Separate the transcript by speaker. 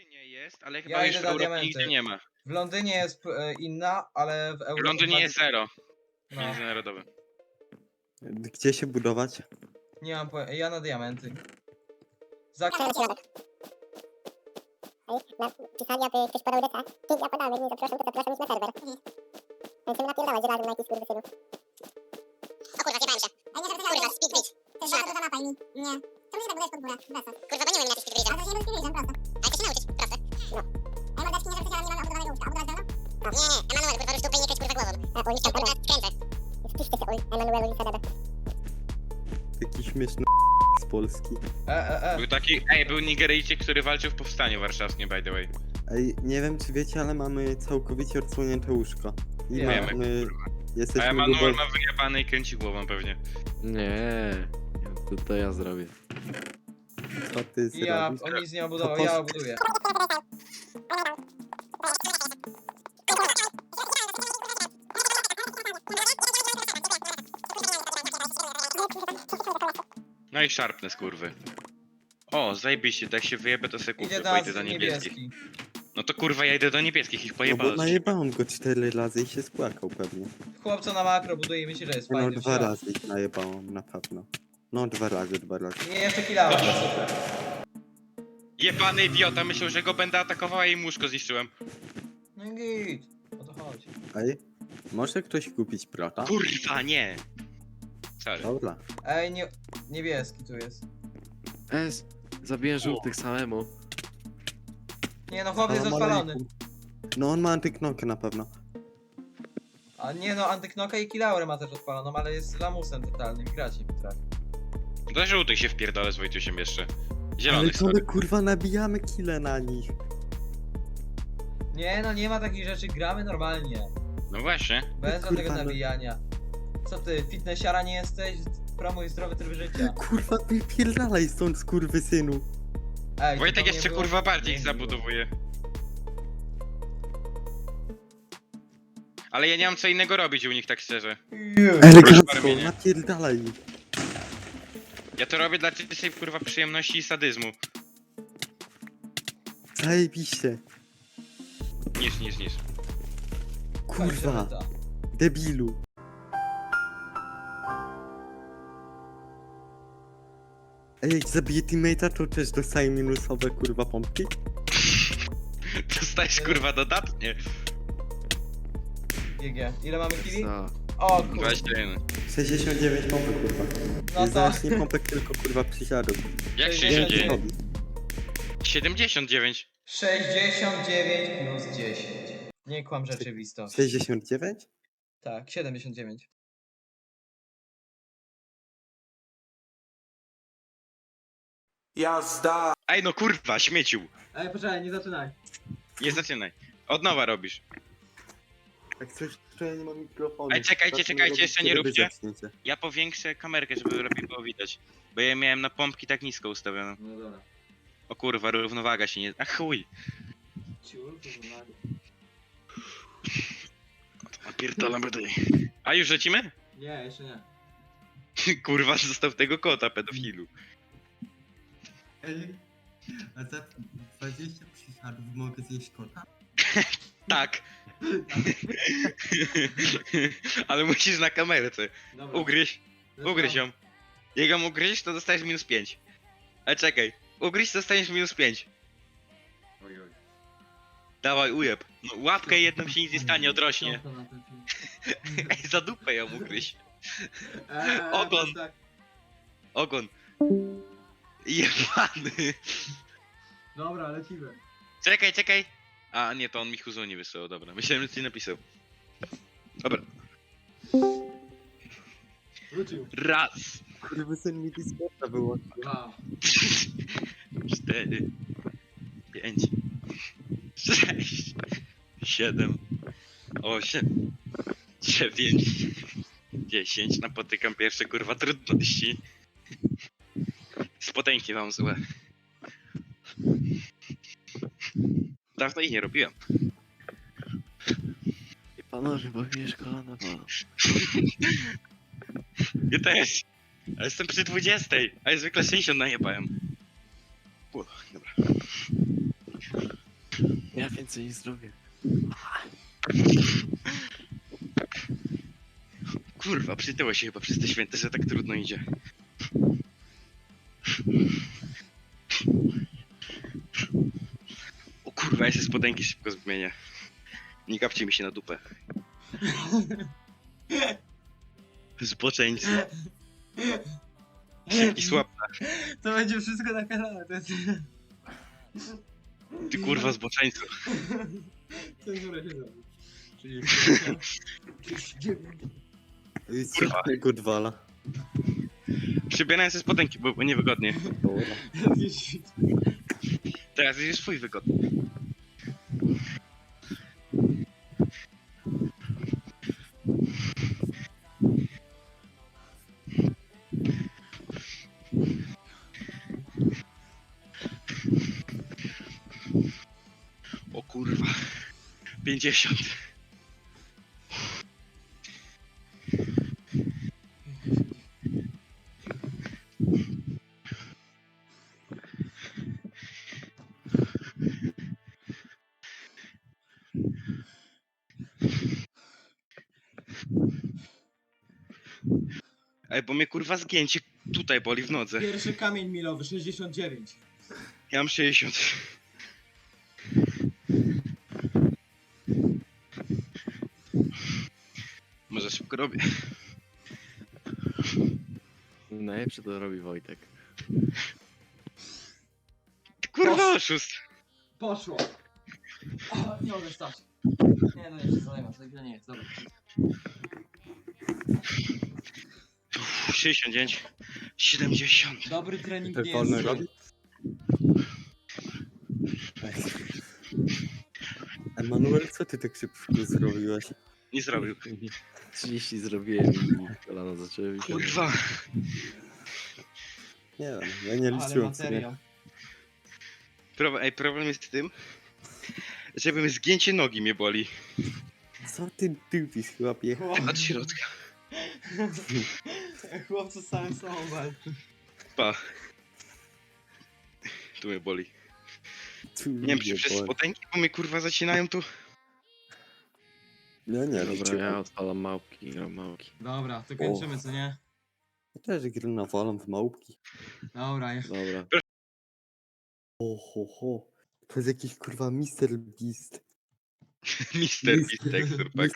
Speaker 1: Londynie jest, ale chyba
Speaker 2: Ja
Speaker 1: już
Speaker 2: idę
Speaker 1: w
Speaker 2: na
Speaker 1: Europie
Speaker 2: diamenty.
Speaker 1: nigdzie nie ma.
Speaker 2: W Londynie jest inna, ale w
Speaker 1: W
Speaker 2: Europie...
Speaker 1: Londynie jest zero.
Speaker 2: No,
Speaker 1: Międzynarodowy.
Speaker 3: Gdzie się budować?
Speaker 2: nie mam pojęcia. Ja na diamenty. Za...
Speaker 4: Pisali, aby ktoś podał deca. Ja podałem, jak nie zaproszą, to zapraszam ich na serwer. Będziemy napierdalać razem na jakiś skurwysynu. O kurwa, zjebałem się. Kurwa, speed bridge. To jest za mapa i mi... Nie. To muszę tak budać pod górę. Bez sensu. Kurwa, bo nie umiem na speed bridge'a. Ale to się nie speed bridge'em, prosto. Ale to się nauczyć, proste. No. A ja mam deczki nie zawsze, ale nie mam obudowanego łóżka. A budować zdalną? Nie, Emanuel, kurwa, rusz dupę i nie kręć kurwa głową. A, uliczka, kurwa, kręcę. Wpiszcie się, Emanuelu i Sadebe.
Speaker 3: Taki śmieszny z Polski.
Speaker 1: Był taki, był Nigeryjczyk, który walczył w powstaniu warszawskim, by the way.
Speaker 3: Ej, nie wiem czy wiecie, ale mamy całkowicie odsłonięte łóżko. I
Speaker 2: Wiemy,
Speaker 3: mamy...
Speaker 1: A
Speaker 3: Jesteśmy
Speaker 1: Emanuel
Speaker 3: grubo...
Speaker 1: ma wyjebany i kręci głową pewnie.
Speaker 5: Nie, to ja zrobię.
Speaker 3: Co ty
Speaker 2: Ja,
Speaker 3: zrobisz?
Speaker 2: on nic nie obudował,
Speaker 3: To
Speaker 2: ja
Speaker 3: post-
Speaker 2: obuduję.
Speaker 1: No i szarpne skurwy. O, zajebiście, jak się wyjebę to se kupię,
Speaker 2: Idzie
Speaker 1: bo idę
Speaker 2: nas
Speaker 1: do niebieskich.
Speaker 2: niebieski.
Speaker 1: No to kurwa ja idę do niebieskich, ich
Speaker 3: No bo
Speaker 1: pojebałem.
Speaker 3: najebałem go 4 razy i się spłakał pewnie.
Speaker 2: Chłopca na makro buduje i myśli, że jest
Speaker 3: No
Speaker 2: fajny.
Speaker 3: 2 razy ich najebałem, na pewno. No 2 razy.
Speaker 2: Nie, jeszcze kilała, to super.
Speaker 1: Jebany idiota, myślał, że go będę atakował, a jej muszko zniszczyłem.
Speaker 2: No i git. O to chodzi.
Speaker 3: Ej, może ktoś kupić prota?
Speaker 1: Kurwa, nie! Sorry.
Speaker 3: Dobra.
Speaker 2: Ej, niebieski tu jest.
Speaker 5: Zabiję żółtych samemu.
Speaker 2: Nie no, chłop jest
Speaker 3: Salam
Speaker 2: odpalony.
Speaker 3: alejkum. No on ma antyknokę na pewno.
Speaker 2: A nie no, antyknoka i kilaurę ma też odpaloną, ale jest lamusem totalnym, grać nie potrafi.
Speaker 1: Do żółtych się wpierdolę z Wojtusiem jeszcze.
Speaker 3: Ale
Speaker 1: Zielonych,
Speaker 3: to my
Speaker 1: sorry.
Speaker 3: kurwa nabijamy kile na nich.
Speaker 2: Nie no, nie ma takich rzeczy, gramy normalnie.
Speaker 1: No właśnie.
Speaker 2: Bez
Speaker 3: Kurwa,
Speaker 2: żadnego
Speaker 3: no.
Speaker 2: nabijania. Co ty, fitnessiara nie jesteś? Promuj zdrowy tryb życia.
Speaker 3: Kurwa wypierdalaj stąd skurwysynu.
Speaker 2: Ej,
Speaker 1: Wojtek
Speaker 2: to nie
Speaker 1: jeszcze
Speaker 2: było-
Speaker 1: kurwa bardziej ich
Speaker 2: nie było.
Speaker 1: zabudowuje. Ale ja nie mam co innego robić u nich, tak szczerze.
Speaker 3: Elegancko,
Speaker 1: Proszę,
Speaker 3: napierdalaj.
Speaker 1: Ja to robię dla czystej kurwa przyjemności i sadyzmu.
Speaker 3: Zajebiście.
Speaker 1: Niż.
Speaker 3: Kurwa, debilu. Ej, jak zabiję teammate'a, to też dostaję minusowe kurwa pompki?
Speaker 1: Dostajesz kurwa dodatnie.
Speaker 2: GG. Ile mamy kili?
Speaker 5: Co?
Speaker 2: O kurwa.
Speaker 1: 21.
Speaker 3: 69 pompek kurwa.
Speaker 2: No
Speaker 3: Nie
Speaker 2: to
Speaker 3: znasz nie pompek, tylko kurwa przysiadów.
Speaker 1: Jak
Speaker 2: 69?
Speaker 1: 69? 79.
Speaker 2: 69 plus 10. Nie kłam rzeczywistość.
Speaker 3: 69?
Speaker 2: Tak, 79.
Speaker 6: Jazda!
Speaker 1: Ej no kurwa, śmieciu.
Speaker 2: Ej, poczekaj, nie zaczynaj.
Speaker 1: Nie zaczynaj. Od nowa robisz.
Speaker 3: Jak coś, to ja nie mam mikrofonu.
Speaker 1: Ej, czekajcie,
Speaker 3: Zacznę
Speaker 1: czekajcie,
Speaker 3: robić,
Speaker 1: jeszcze nie
Speaker 3: kiedy wy
Speaker 1: róbcie.
Speaker 3: zaczniecie.
Speaker 1: Ja powiększę kamerkę, żeby lepiej było widać. Bo ja miałem na pompki tak nisko ustawioną.
Speaker 2: No dobra.
Speaker 1: O kurwa, równowaga się nie... A chuj.
Speaker 2: Ciul, poznaję.
Speaker 1: Pierdolam będę. A już lecimy?
Speaker 2: Nie, jeszcze nie.
Speaker 1: Kurwa, zostaw tego kota, pedofilu.
Speaker 3: Ej, a za 20 przysiadów mogę zjeść kota?
Speaker 1: Tak. Ale musisz na kamerce.
Speaker 2: Dobra.
Speaker 1: Ugryź ją. Jak ją ugryźć, to dostajesz minus 5. Ale czekaj. Ugryź, to dostaniesz minus 5. Dawaj, ujeb. No, łapkę jedną się nic nie stanie, odrośnie. Ej, za dupę ją ugryź. Ogon.
Speaker 2: Tak.
Speaker 1: Ogon. Jebany.
Speaker 2: Dobra, lecimy.
Speaker 1: Czekaj. A nie, to on mi Huzu nie wysłał, dobra. Myślałem, że ci napisał. Dobra.
Speaker 2: Wrócił.
Speaker 1: Raz.
Speaker 3: Kurwa, syn mi Discorda wyłączył.
Speaker 2: 2.
Speaker 1: 4, 5, 6, 7, 8, 9, 10. Napotykam pierwsze kurwa trudności. Spodenki wam złe. Dawno ich nie robiłem.
Speaker 5: Panowie, bo mnie szkoła na wolę.
Speaker 1: Ja też. Ale jestem przy 20, a ja zwykle 60 najebałem. Dobra.
Speaker 5: Ja więcej nie zrobię.
Speaker 1: Kurwa, przytyło się chyba przez te święte, że tak trudno idzie. O kurwa, ja się spodenki szybko zmienię. Nie kapcie mi się na dupę. Zboczeńcy. I słab.
Speaker 2: To będzie wszystko na kanale. To jest...
Speaker 1: Ty kurwa zboczeńcu.
Speaker 2: Cenzurę się zrobi. 39.
Speaker 1: Kurwa.
Speaker 3: Go dwala.
Speaker 1: Przybierałem sobie spodenki, bo niewygodnie.
Speaker 3: Dobra.
Speaker 1: Teraz jest swój wygodny. O kurwa. 50. Ej, bo mnie kurwa zgięcie tutaj boli w nodze.
Speaker 2: Pierwszy kamień milowy, 69.
Speaker 1: Ja mam 60. Może szybko robię.
Speaker 5: Najlepsze to robi Wojtek.
Speaker 1: Ty kurwa oszust.
Speaker 2: Poszło. O, nie mogę stać. Nie, no jeszcze zalewam, to chwilę nie jest, dobra.
Speaker 1: 69. 70.
Speaker 2: Dobry trening
Speaker 3: Tak
Speaker 2: nie
Speaker 3: wolno
Speaker 2: jest
Speaker 3: robi? Emanuel, co ty tak szybko zrobiłeś?
Speaker 1: Nie zrobił.
Speaker 5: 30 zrobiłem i kolana zaczęły mi się.
Speaker 1: Kurwa.
Speaker 3: Nie wiem, ja nie
Speaker 2: Ale
Speaker 3: liczyłem sobie.
Speaker 2: materiał.
Speaker 1: Problem jest w tym, żeby zgięcie nogi mnie boli.
Speaker 3: Co ty dupisz, chłopie?
Speaker 1: Od środka.
Speaker 2: Chłopcy z samym sobą walczy.
Speaker 1: Pa. Tu mnie boli.
Speaker 3: Tu
Speaker 1: Nie wiem, czy
Speaker 3: mnie
Speaker 1: przez
Speaker 3: boli.
Speaker 1: spodenki, bo mnie kurwa zacinają tu.
Speaker 3: Ja nie
Speaker 5: Dobra,
Speaker 3: liczyłem.
Speaker 5: ja odpalam małpki, gram małpki.
Speaker 2: Dobra, to kończymy, co nie?
Speaker 3: Ja też gry nawalam w małpki.
Speaker 2: Dobra,
Speaker 5: Dobra.
Speaker 3: Ho. To jest jakiś kurwa Mr. Beast.
Speaker 1: Mister Beast, tak,